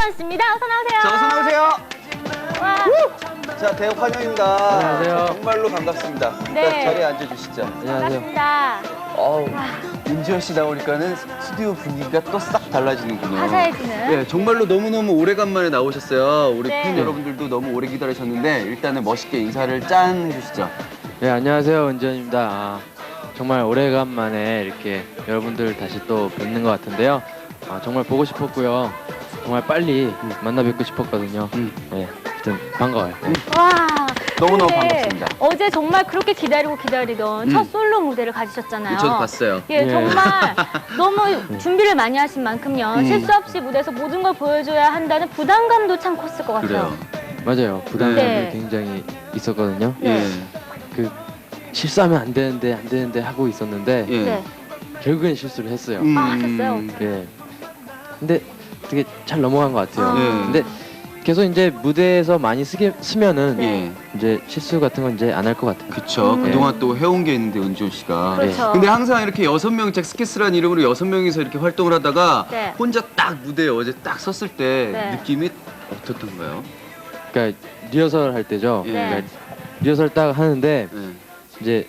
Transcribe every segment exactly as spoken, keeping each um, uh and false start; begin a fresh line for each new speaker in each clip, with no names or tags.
은지원 씨입니다. 어서 나오세요.
자, 어서 나오세요.
와.
자, 대학 환영입니다.
안녕하세요.
정말로 반갑습니다.
네.
일단 자리에 앉아주시죠.
안녕하세요.
반갑습니다.
어우, 은지원 씨 나오니까는 스튜디오 분위기가 또 싹 달라지는군요.
화사해지는.
네, 정말로 너무너무 오래간만에 나오셨어요. 우리
네.
팬 여러분들도 너무 오래 기다리셨는데 일단은 멋있게 인사를 짠 해주시죠.
네, 안녕하세요. 은지원입니다. 아, 정말 오래간만에 이렇게 여러분들 다시 또 뵙는 것 같은데요. 아, 정말 보고 싶었고요. 정말 빨리
음.
만나 뵙고 싶었거든요.
음.
네, 하여튼 반가워요. 네.
와.
너무너무
근데
반갑습니다.
어제 정말 그렇게 기다리고 기다리던
음.
첫 솔로 무대를 가지셨잖아요.
저도 봤어요.
예,
예.
정말 너무 준비를 많이 하신 만큼요.
음.
실수 없이 무대에서 모든 걸 보여줘야 한다는 부담감도 참 컸을 것 같아요.
그래요.
맞아요. 부담감이
네.
굉장히 있었거든요.
네.
그 실수하면 안 되는데 안 되는데 하고 있었는데
예.
네.
결국엔 실수를 했어요.
음.
아, 하셨어요?
예. 근데 되게 잘 넘어간 것 같아요.
아.
예.
근데 계속 이제 무대에서 많이 쓰게 쓰면은
네.
예.
이제 실수 같은 건 이제 안 할 것 같아요.
그쵸.
음.
그동안 또 해온 게 있는데, 은지원 씨가.
그렇죠.
근데 항상 이렇게 여섯 명 잭스키스라는 이름으로 여섯 명이서 이렇게 활동을 하다가
네.
혼자 딱 무대에 어제 딱 섰을 때
네.
느낌이 어떻던가요?
그러니까 리허설 할 때죠.
예.
그러니까 리허설 딱 하는데
네.
이제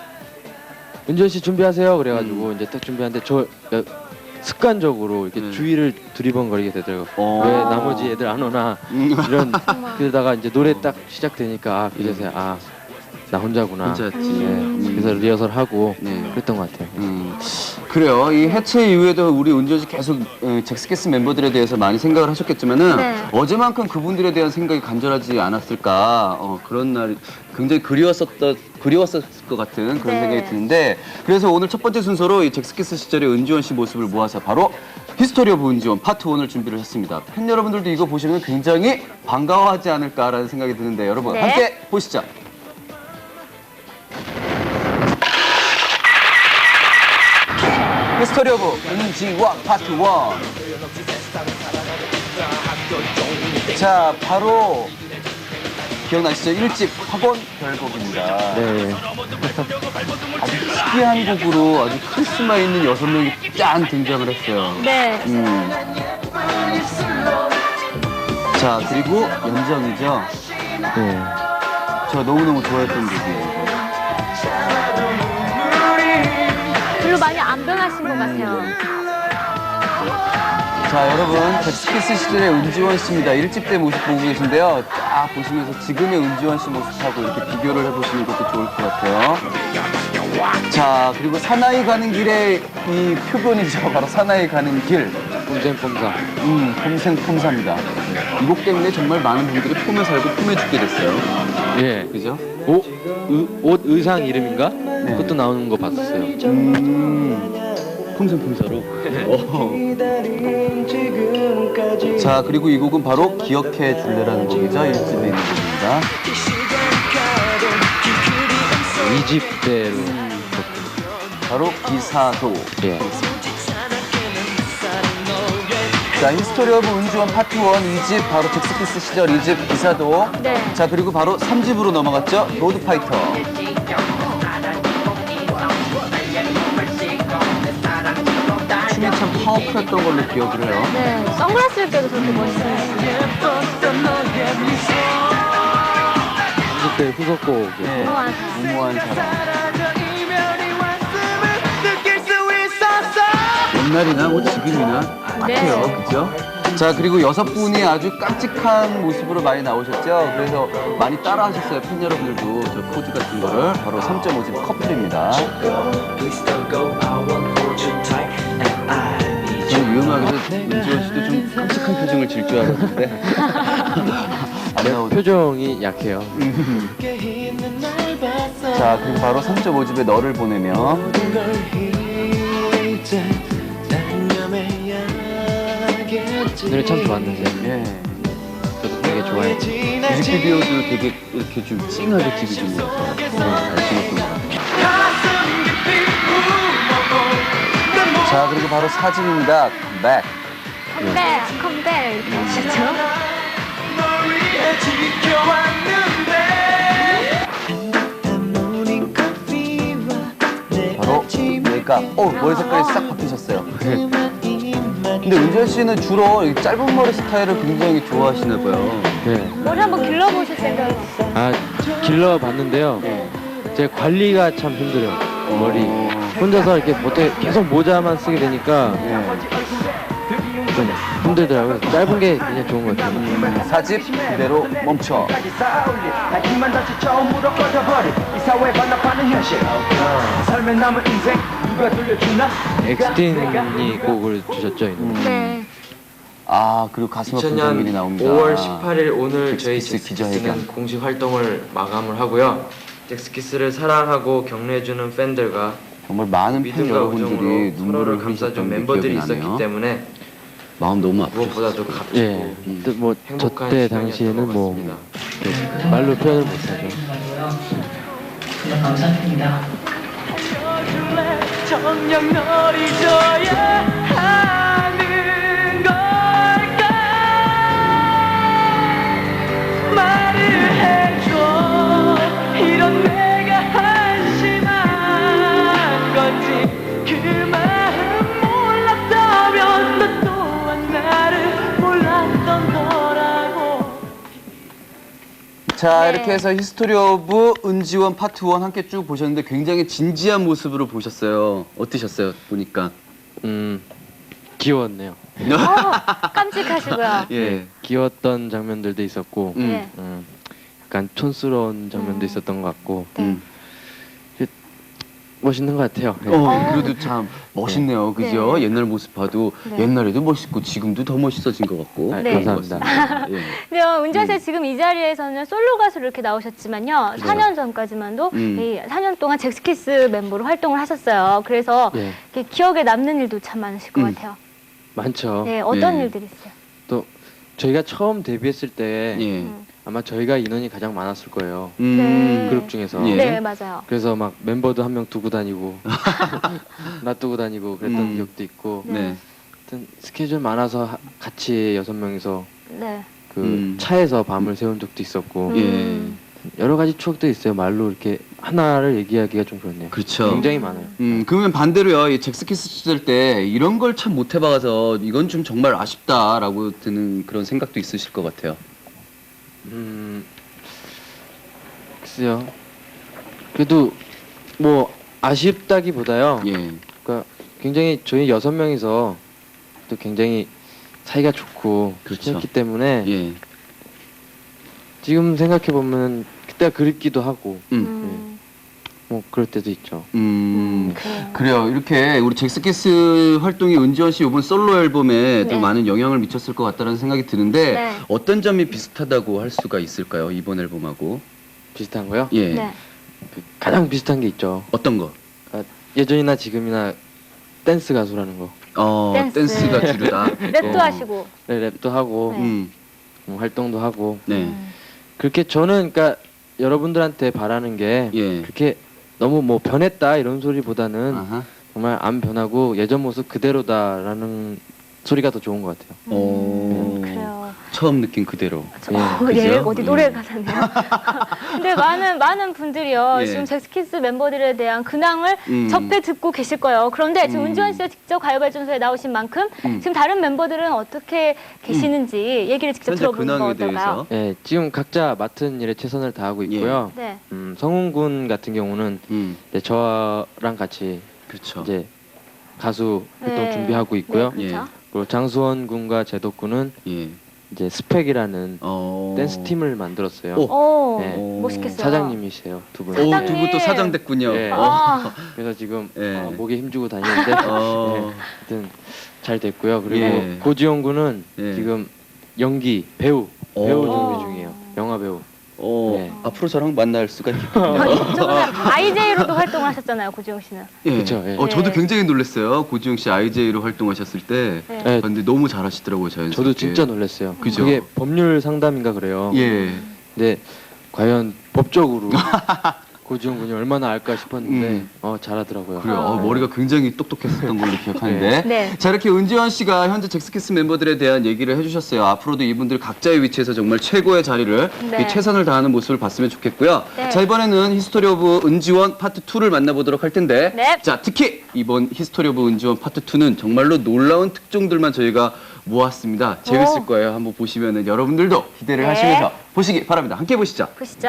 은지원 씨 준비하세요. 그래가지고
음.
이제 딱 준비하는데 저 야, 습관적으로 이렇게
네.
주위를 두리번거리게 되더라고요.
어.
왜 나머지 애들 안 오나
음.
이런
정말.
그러다가 이제 노래 딱 시작되니까 아 그제서야 아 나 혼자구나.
혼자였지.
네.
음.
그래서 리허설 하고
네.
그랬던 것 같아요.
음, 그래요. 이 해체 이후에도 우리 은지원 씨 계속 어, 잭스키스 멤버들에 대해서 많이 생각을 하셨겠지만은
네.
어제만큼 그분들에 대한 생각이 간절하지 않았을까. 어, 그런 날 굉장히 그리웠었던 그리웠을 것 같은 그런
네.
생각이 드는데 그래서 오늘 첫 번째 순서로 이 잭스키스 시절의 은지원 씨 모습을 모아서 바로 히스토리 오브 은지원 파트 원을 준비를 했습니다. 팬 여러분들도 이거 보시면 굉장히 반가워하지 않을까라는 생각이 드는데 여러분
네.
함께 보시죠. 히스토리 오브 은지원 파트 원. 자, 바로 기억나시죠? 일 집 학원 별곡입니다.
네.
아주 특이한 곡으로 아주 카리스마 있는 여섯 명이 짠 등장을 했어요.
네.
음. 자, 그리고 연정이죠.
네.
저 너무너무 좋아했던 곡이에요.
별로 많이 안 변하신 것 같아요.
자, 여러분, 잭스키스 시절의 은지원 씨입니다. 일 집 때 모습 보고 계신데요. 딱 보시면서 지금의 은지원 씨 모습하고 이렇게 비교를 해보시는 것도 좋을 것 같아요. 자, 그리고 사나이 가는 길의 이 표본이죠. 바로 사나이 가는 길.
꼼생꼼사.
음, 폼생 폼사입니다. 이 곡 때문에 정말 많은 분들이 폼에 살고 폼에 죽게 됐어요.
예.
그죠?
옷, 의, 옷 의상 이름인가? 그것도 나오는 거 봤었어요.
음, 폼생 폼사로. 자, 그리고 이 곡은 바로 기억해 줄래라는 곡이죠. 일 집에 있는 곡입니다.
이 집 때로.
바로 기사도.
예.
자, 히스토리 오브 은지원 파트 원 이 집 바로 잭스키스 시절 이 집 기사도.
네.
자, 그리고 바로 삼 집으로 넘어갔죠. 로드파이터. 춤이 참 파워풀했던 걸로 기억을 해요.
네. 선글라스를 껴도 저렇게 멋있어요.
이 집 때 후속곡.
네.
무모한
무모한 사랑. 옛날이나 뭐 지금이나 같아요.
네.
그죠? 자, 그리고 여섯 분이 아주 깜찍한 모습으로 많이 나오셨죠? 그래서 많이 따라 하셨어요. 팬 여러분들도 저 포즈 같은 거를. 바로 삼 점 오 집 커플입니다. 저는 유용하게도 은지원 씨도 좀 깜찍한 표정을 질 줄 알았는데 안 나오죠.
표정이 약해요.
자, 그리고 바로 삼 점 오 집에 너를 보내며.
노래 참 좋았는데.
예.
저도 되게 좋아했지.
뮤직비디오도 되게 이렇게 좀 찡하게 찍으시면서 잘 찍었던 것 같아요. 자, 그리고 바로 사 집입니다. 컴백.
컴백, 컴백 이렇게 하시죠.
바로 얘가 어 머리 색깔이 싹 바뀌셨어요. 근데 은지원 씨는 주로 이 짧은 머리 스타일을 굉장히 좋아하시나 봐요.
네.
머리 한번 길러보실 생각이 있어요?
아 길러 봤는데요. 제 관리가 참 힘들어요. 머리 혼자서 이렇게 못해 계속 모자만 쓰게 되니까 좀 힘들더라고요. 짧은 게 그냥 좋은 것 같아요.
음, 사집 그대로 멈춰.
하지만 다시 처음으로 꺼져버린 이 사회 반납하는 현실 삶의 남은 인생 누가 돌려주나
엑스틴이 곡을 주셨죠. 이 노래.
네.
아 그리고 가슴 아픈 장면이 나옵니다.
오월 십팔일 오늘 저희
잭스키스 기자회견.
잭스키스는 공식 활동을 마감을 하고요. 잭스키스를 사랑하고 격려해주는 팬들과
정말 많은 팬
믿음과
여러분들이
우정으로
눈물을
서로를
흘리셨던
감싸준
게
멤버들이
기억이
있었기
나네요.
때문에
마음 너무 아프죠.
무엇보다도 값지고
음.
예, 뭐
행복한
저때
시간이었던
당시에는
것
뭐
같습니다.
네, 말로 표현을 못하죠.
그냥 감사드립니다.
정녕 널 잊어야 하는 걸까 말을 해줘 이런 내가 한심한 건지 그 마음 몰랐다면 너 또한 나를 몰랐던 거라고.
자
네.
이렇게 해서 히스토리 오브 은지원 파트 원 함께 쭉 보셨는데 굉장히 진지한 모습으로 보셨어요. 어떠셨어요? 보니까.
음 귀여웠네요.
어, 깜찍하시고요.
예.
귀여웠던 장면들도 있었고
음.
네.
음, 약간 촌스러운 장면도
음.
있었던 것 같고
네.
음.
멋있는 것 같아요. 네.
어, 그래도 참 멋있네요. 그죠?
네.
옛날 모습 봐도
네.
옛날에도 멋있고 지금도 더 멋있어진 것 같고.
아,
네.
그런 것
감사합니다.
같습니다. 예.
근데 은지원 씨 지금 이 자리에서는 솔로 가수로 이렇게 나오셨지만요. 사 년 전까지만도
음.
이 사 년 동안 잭스키스 멤버로 활동을 하셨어요. 그래서
예,
이렇게 기억에 남는 일도 참 많으실 것
음.
같아요.
많죠.
네, 어떤
네.
일들이 있어요?
또 저희가 처음 데뷔했을 때
예.
음.
아마 저희가 인원이 가장 많았을 거예요.
음.
네.
그룹 중에서.
예.
네, 맞아요.
그래서 막 멤버도 한 명 두고 다니고 놔두고 다니고 그랬던
음.
기억도 있고
네.
하여튼 스케줄 많아서 하- 같이 여섯 명이서
네.
그
음.
차에서 밤을 새운 적도 있었고
음.
예.
여러 가지 추억도 있어요. 말로 이렇게 하나를 얘기하기가 좀 그렇네요.
그렇죠.
굉장히 많아요.
음, 그러면 반대로요, 이 잭스키스 시절 때 이런 걸 참 못 해봐서 이건 좀 정말 아쉽다라고 드는 그런 생각도 있으실 것 같아요.
음, 글쎄요. 그래도 뭐 아쉽다기보다요.
예.
그러니까 굉장히 저희 여섯 명이서 또 굉장히 사이가 좋고
그렇죠.
그렇기 때문에
예.
지금 생각해 보면 그때가 그립기도 하고
음.
음.
뭐 그럴 때도 있죠.
음.
그래요.
그래요. 이렇게 우리 잭스키스 활동이 은지원 씨 이번 솔로 앨범에 또
네.
많은 영향을 미쳤을 것 같다는 생각이 드는데
네.
어떤 점이 비슷하다고 할 수가 있을까요? 이번 앨범하고.
비슷한 거요?
예.
네.
그 가장 비슷한 게 있죠.
어떤 거?
예전이나 지금이나 댄스 가수라는 거.
어,
댄스.
댄스가 주류다.
랩도
어.
하시고.
네, 랩도 하고
네.
음.
뭐 활동도 하고
네.
음.
그렇게 저는 그러니까 여러분들한테 바라는 게
예.
그렇게 너무 뭐 변했다 이런 소리보다는
아하.
정말 안 변하고 예전 모습 그대로다라는 소리가 더 좋은 것 같아요.
어.
음, 그래요.
처음 느낀 그대로.
저-
예,
어,
그죠?
예, 어디 노래
예.
가사네요. 근데 많은 많은 분들이요.
예.
지금 잭스키스 멤버들에 대한 근황을
음.
접해 듣고 계실 거예요. 그런데 지금
음.
은지원 씨가 직접 가요발전소에 나오신 만큼
음.
지금 다른 멤버들은 어떻게 계시는지 얘기를 직접
현재
들어보는 거
근황에
어떨까요?
대해서.
예, 지금 각자 맡은 일에 최선을 다하고 있고요.
네.
음, 성훈 군 같은 경우는
음.
이제 저랑 같이
그렇죠.
이제 가수 활동
네.
준비하고 있고요.
네, 그렇죠.
그리고 장수원 군과 제덕 군은
예.
이제 스펙이라는
어.
댄스 팀을 만들었어요.
오.
오,
네.
멋있겠어요.
사장님이세요, 두 분.
오, 두
사장님.
분 또 사장 됐군요.
예.
어.
아,
그래서 지금
예.
어, 목에 힘주고 다니는데
어.
네, 하여튼 잘 됐고요. 그리고
예.
고지영 군은
예.
지금 연기 배우
오.
배우
오.
준비 중이에요. 영화 배우.
어,
네.
앞으로 저랑 만날 수가 있겠군요.
이쪽은 아이제이로도 활동을 하셨잖아요, 고지영 씨는.
예.
그쵸, 예.
어, 저도
네.
굉장히 놀랐어요. 고지영 씨 아이제이로 활동하셨을 때.
네.
네,
근데 너무 잘하시더라고요, 자연스럽게.
저도 진짜 놀랐어요.
그죠?
그게 법률 상담인가 그래요.
예.
근데 과연 법적으로 고지훈 군이 얼마나 알까 싶었는데
음.
어 잘하더라고요.
그래요. 어, 머리가 굉장히 똑똑했었던 걸로 기억하는데.
네.
자, 이렇게 은지원 씨가 현재 잭스키스 멤버들에 대한 얘기를 해주셨어요. 앞으로도 이분들 각자의 위치에서 정말 최고의 자리를
네.
이 최선을 다하는 모습을 봤으면 좋겠고요.
네.
자, 이번에는 히스토리 오브 은지원 파트 투를 만나보도록 할 텐데.
네.
자, 특히 이번 히스토리 오브 은지원 파트 투는 정말로 놀라운 특종들만 저희가 모았습니다. 재밌을
오.
거예요. 한번 보시면은 여러분들도 기대를
네.
하시면서 보시기 바랍니다. 함께 보시죠.
보시죠.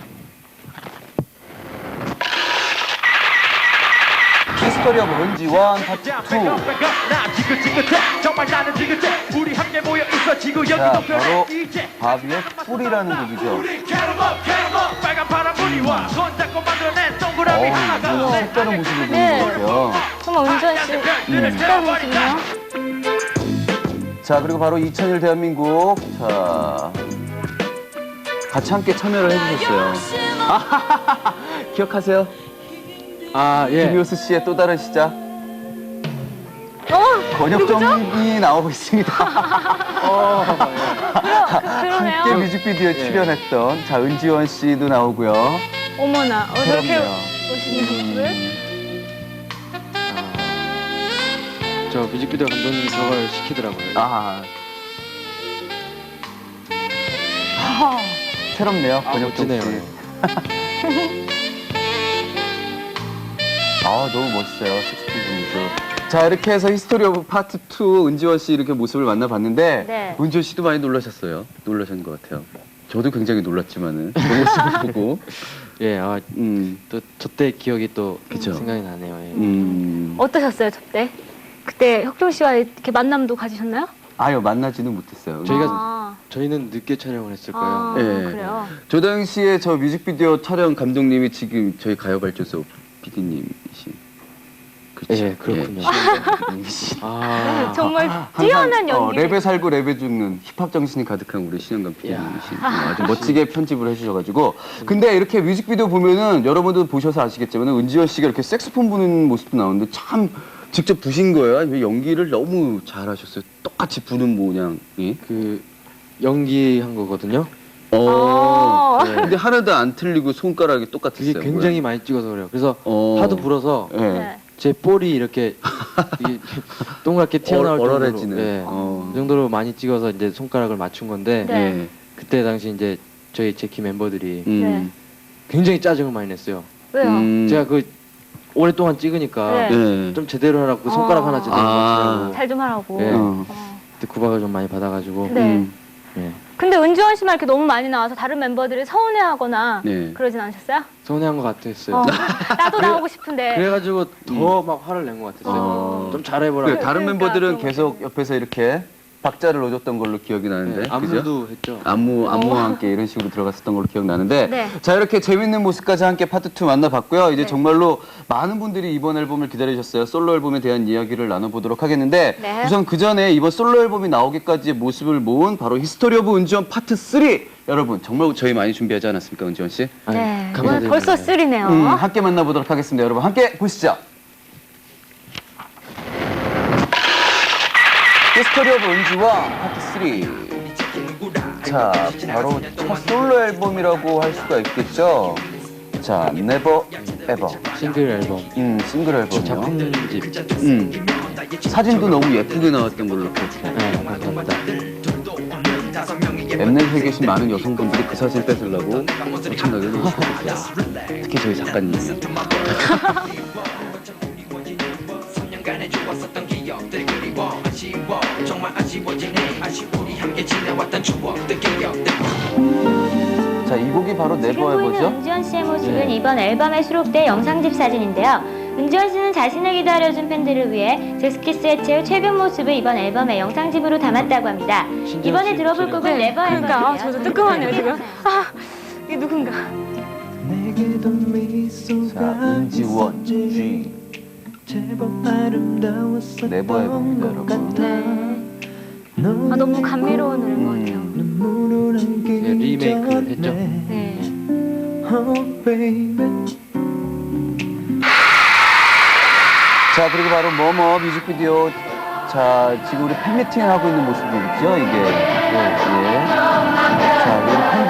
히스토리 오브 은지원 파트 투.
나 지긋지긋해 정말 나는 지긋해 우리 함께 모여 있어 지구
자,
여기도
바로
변해 이제
바비의 뿔이라는 곡이죠.
우리 캐럿업 캐럿업 빨간 파란 불이 와 손잡고 만들어낸 동그라미
어우,
하나가
이거
내
색다른 모습을 보는
네.
것 같아요.
정말 은지원 씨 색다른 모습이네요.
자, 그리고 바로 이천 일 대한민국. 자, 같이 함께 참여를 해주셨어요. 아하하하. 기억하세요?
아 예.
김효수 씨의 또 다른 시작.
어,
권혁정이 나오고 있습니다.
어,
그러네요.
함께 뮤직비디오에 출연했던 자 은지원 씨도 나오고요.
어머나, 어, 저렇게
그럼요.
보시는 모습을.
아, 저 뮤직비디오 감독님이 저걸 시키더라고요.
아, 새롭네요.
아,
권혁정
멋지네요.
씨. 아, 너무 멋있어요. 식스틴 분이죠. 자, 이렇게 해서 히스토리 오브 파트 투 은지원 씨 이렇게 모습을 만나봤는데
네.
은지원 씨도 많이 놀라셨어요. 놀라신 것 같아요. 저도 굉장히 놀랐지만은 그 모습을 보고
예, 아,
음,
또 저 때 기억이 또
그쵸.
생각이 나네요. 예.
음.
어떠셨어요, 저때? 그때 혁종 씨와 이렇게 만남도 가지셨나요?
아유, 만나지는 못했어요.
저희가
아,
저희는 늦게 촬영을 했을 거예요.
아,
예.
그래요.
저 당시에 저 뮤직비디오 촬영 감독님이 지금 저희 가요발전소 피디님이신. 그렇죠.
예, 그렇군요.
예.
아,
정말
항상,
뛰어난
어,
연기.
랩에 살고 랩에 죽는 힙합 정신이 가득한 우리 신영감 피디님이신 아주 멋지게 편집을 해주셔가지고. 근데 이렇게 뮤직비디오 보면은 여러분도 보셔서 아시겠지만 은지원 씨가 이렇게 색소폰 부는 모습도 나오는데 참 직접 부신 거예요? 아니면 연기를 너무 잘하셨어요? 똑같이 부는 모양이?
그 연기한 거거든요.
어.
아.
네. 근데 하나도 안 틀리고 손가락이 똑같았어요.
그게 굉장히 많이 찍어서 그래요. 그래서
어.
하도 불어서
예.
네.
제 볼이 이렇게 이게 동그랗게 튀어나올
얼-
정도로,
얼얼해지는.
예,
어.
그 정도로 많이 찍어서 이제 손가락을 맞춘 건데
네.
예.
그때 당시 이제 저희 제키 멤버들이
음.
굉장히 짜증을 많이 냈어요.
왜요?
음.
제가 그 오랫동안 찍으니까
네.
예.
좀 제대로 하라고 그 손가락
어.
하나 제대로
아.
맞추라고
잘 좀 하라고.
예.
어.
어.
그때 구박을 좀 많이 받아가지고
네.
음.
예.
근데 은지원 씨만 이렇게 너무 많이 나와서 다른 멤버들이 서운해하거나
네.
그러진 않으셨어요?
서운해한 것 같았어요.
어, 나도 나오고 싶은데.
그래가지고 더 막 화를 낸 것 같았어요.
어.
좀 잘해보라고.
그래, 다른
그러니까
멤버들은
그런
계속 옆에서 이렇게 박자를 넣어줬던 걸로 기억이 나는데.
네,
그죠?
안무도 했죠.
안무, 안무와 함께 이런 식으로 들어갔었던 걸로 기억나는데.
네.
자, 이렇게 재밌는 모습까지 함께 파트 투 만나봤고요. 이제
네.
정말로 많은 분들이 이번 앨범을 기다리셨어요. 솔로 앨범에 대한 이야기를 나눠보도록 하겠는데.
네.
우선 그 전에 이번 솔로 앨범이 나오기까지의 모습을 모은 바로 히스토리 오브 은지원 파트 쓰리. 여러분, 정말 저희 많이 준비하지 않았습니까, 은지원 씨?
아니,
네. 오늘
감사드립니다.
벌써 쓰리네요.
음, 함께 만나보도록 하겠습니다. 여러분, 함께 보시죠. 히스토리 오브 은지원 파트 쓰리. 자, 바로 첫 솔로 앨범이라고 할 수가 있겠죠. 자, Never Ever.
싱글 앨범.
음, 싱글 앨범이요.
작품집.
음, 사진도 너무 예쁘게 나왔던 걸로 기억해요.
네, 감사합니다.
엠넷에 계신 많은 여성분들이 그 사진 뺏으려고 엄청나게 노력하셨어요. 특히 저희 작가님. 자, 이 곡이 바로
지금
네버
보이는
에버죠?
은지원 씨의 모습은
네.
이번 앨범에 수록된 영상집 사진인데요. 은지원 씨는 자신을 기다려준 팬들을 위해 잭스키스의 최 최근 모습을 이번 앨범의 영상집으로 담았다고 합니다.
신지원
이번에
씨
들어볼
목소리가-
곡은 네버 에버예요.
그러니까 아, 저도 뜨끔하네요 지금. 아 이게 누군가.
자, 은지원 G. 네버 에버입니다, 여러분.
네. 아 너무 감미로운 노래인 것 같아요.
음.
네, 리메이크를 했죠.
네.
자, 그리고 바로 뭐뭐 뮤직비디오. 자, 지금 우리 팬미팅 하고 있는 모습이죠, 이게. 예. 자, 우리 팬